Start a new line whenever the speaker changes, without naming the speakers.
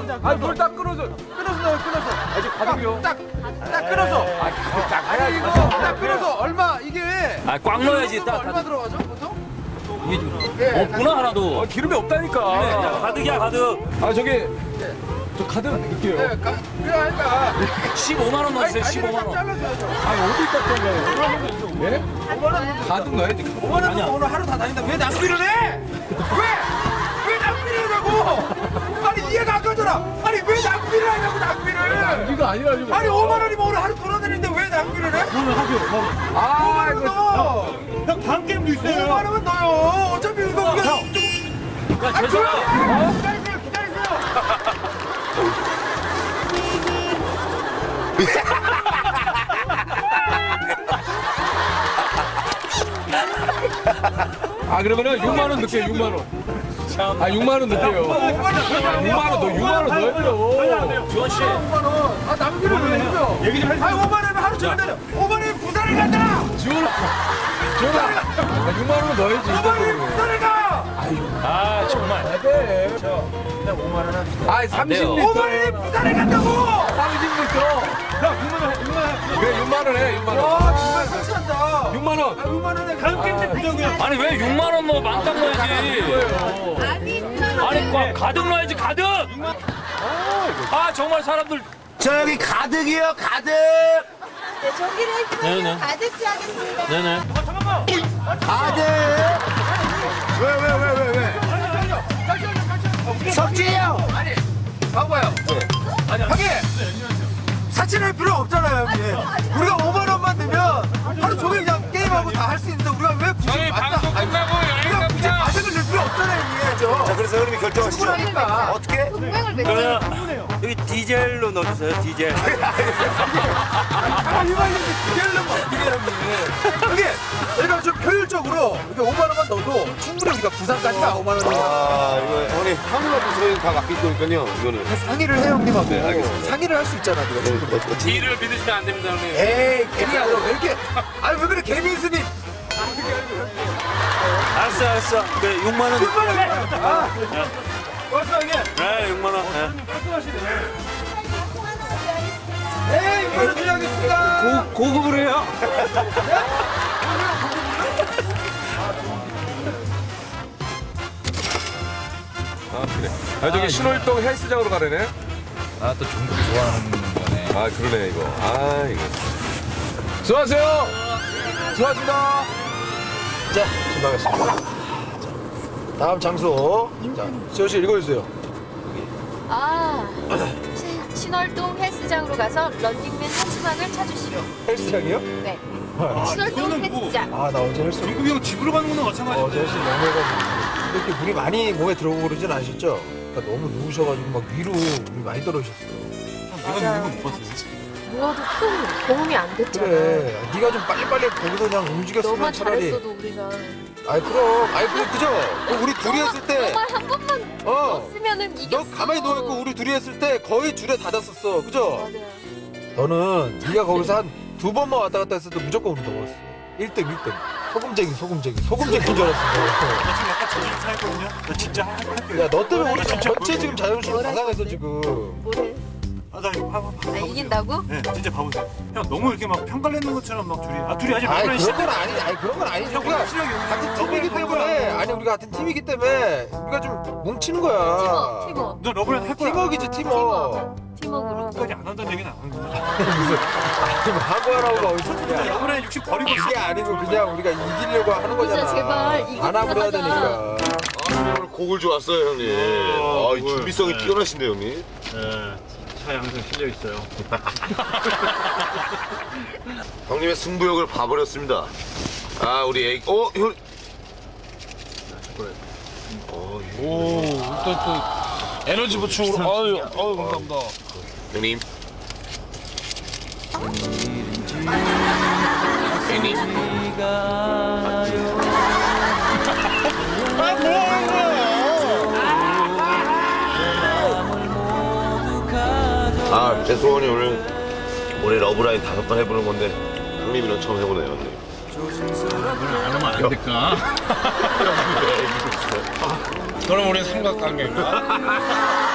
아, 뭘 딱 끊어서. 끊어서. 아직 가득이요. 딱 끊어서. 아니, 이거 딱 끊어서 얼마, 이게.
아, 꽉 넣어야지. 딱.
얼마 들어가죠, 보통?
이게 없구나, 하나도.
기름이 없다니까.
야, 가득이야, 가득.
아, 저기. 저 가득 넣을게요.
네, 그러니까
15만 원 넣으세요, 15만 원.
잘라줘야죠.
아, 어디다 잘라요? 예?
5만 원.
가득 넣어야지.
5만 원 주고 오늘 하루 다 다닌다. 왜 낭비를 해? 왜 낭비를 하냐고? 아니 이해가 안 가잖아. 아니 왜 낭비를 하냐고 낭비를.
이거 아니라 지금.
아니 5만 원이면 오늘 하루 돌아다니는데 왜 낭비를 해?
그러면 하세요.
아,
5만 원은 넣어.
형, 반 게임도 있어요.
5만 원은 넣어요. 어차피 이거 우리가
형.
좀.
야, 죄송해요.
기다리세요.
아, 그러면은 6만 원 넣을게요, 6만 원. 아, 6만 원 넣을게요. 6만 원, 너 6만 원 넣어요.
주원 씨.
5만 원. 아 낭비를 왜 했어요?
얘기 좀 해주세요.
아니 5만 원은 하루 종일 다녀. 5만 원이 부산을 간다.
지원아. 아, 6만 원 넣어야지.
5만 원이 부산을 가.
아, 정말.
네.
그냥 5만 원 합시다.
아,
안 돼요.
5만
30리터.
원이 부산을 간다고.
30리터.
형, 6만 원, 6만 원.
그래, 6만 원 해, 6만 원.
와 정말 같이 한다.
6만 원.
아 5만 원에
반 게임도 부정이야.
아니, 왜 6만 원 넣어? 만땅 넣어야지. 아니, 가득 넣어야지, 가득. 아, 정말 사람들.
저기 가득이요, 가득.
네, 전기를
네네.
해주면 가득 하겠습니다.
네네.
가득. 왜? 석진이 형.
봐봐요. 하긴 사칭할 필요 없잖아요, 형님. 우리가 5만 원만 넣으면 하루 종일 그냥 게임하고 다 할 수 있는데 우리가 왜 굳이 방송 끝나고 우리가 굳이 가격을 낼 필요 없잖아요, 형님.
자, 그래서 형님이 결정하시죠.
충분하니까.
어떻게?
동맹을 맺죠.
그러면 여기 디젤로 넣어주세요, 디젤.
아, 이거 기다리려면 어떻게 해요, 형님. 형님, 저희가 좀 효율적으로 이렇게 5만 원만 넣어도 충분히 우리가 부산까지 가, 5만 원이면.
아, 이거 형님 한국하고 저희 다 맡길 거니까요. 이거는.
상의를 해, 형님하고.
네, 알겠습니다.
상의를 할 수 있잖아, 네가 충분히.
뒤를 믿으시면 안 됩니다, 형님.
에이, 개미야, 너 왜 이렇게. 아니, 왜 그래, 개미스님.
알았어. 그래, 6만 원.
6만 원. 아, 고맙습니다, 형님.
네, 6만 원.
에이, 6만 원 드리겠습니다.
고급으로 해요?
아, 그래. 아, 저기 신월동 헬스장으로 가려네.
아, 또 중국 좋아하는 거네.
아, 그러네, 이거. 아, 이거. 수고하세요. 수고하셨습니다.
자, 신방했습니다. 다음 장소. 자, 지호 씨 읽어주세요.
아, 신월동 헬스장으로 가서 런닝맨 한수막을 찾으시오.
헬스장이요?
네.
이거는
신월동
뭐-
헬스장.
아, 나 어제 헬스.
중국이 형 집으로 가는 거는 마찬가지인데.
어제 헬스 너무 해가지고. 이렇게 물이 많이 몸에 들어오고 그러진 않으셨죠? 그러니까 너무 누우셔가지고 막 위로 물이 많이 떨어지셨어요.
내가 있는 거못 봤어요.
누워도 큰 도움이 안 됐잖아.
그래. 네가 좀 빨리빨리 거기서 그냥 움직였으면
너만
차라리.
잘했어도 우리가.
아이, 그럼. 아이, 그죠? 우리 둘이 했을 때.
너만 한 번만
어.
넣었으면은 이겼어.
너 가만히 누워있고 우리 둘이 했을 때 거의 줄에 닫았었어. 그죠?
맞아요.
너는 네가 거기서 한 두 번만 왔다 갔다 했을 때 무조건 우리 넘었어. 1등. 소금쟁이 줄 알았어.
나 지금 약간 자존심 상했거든요. 나 진짜 할게요.
야, 너 때문에 우리 전체 지금 자존심 다 상했어, 지금.
뭐래?
아, 나 이거 봐봐.
아, 이긴다고?
네, 진짜 봐보세요. 형, 너무 이렇게 막 평가를 내는 것처럼 막 둘이 아직
아니,
몇번
그런 건 아니지. 아니, 그런 건 아니지. 우리가
실력이 없는
같은
거야.
팀이기 때문에. 아니, 우리가 같은 팀이기 때문에 우리가 좀 뭉치는 거야.
팀워.
너 러브랜드 할 거야.
팀워크지, 팀워크.
팀워크로.
끝까지 안 한다는 얘기는 안 하는 거야.
무슨, 아니, 하고 하라고가 어디서 그냥.
러브랜드 60 버리고
이게 아니고 그냥 우리가 이기려고 하는 거잖아.
진짜 제발 이기고
안압을 해야
나가자.
되니까.
아, 오늘 곡을 좋았어요, 형님. 아, 이 준비성이 뛰어나신데, 형님.
네, 차에 항상 실려 있어요.
형님의 승부욕을 봐버렸습니다. 아, 우리 애기. 형.
오, 또 에너지 보충으로. 아유, 감사합니다.
형님. 형님. 아, 제 소원이 올해 러브라인 5번 해보는 건데 형님이랑 처음 해보네요, 형님.
안 하면 안 될까? 그럼 우리 삼각관계인가?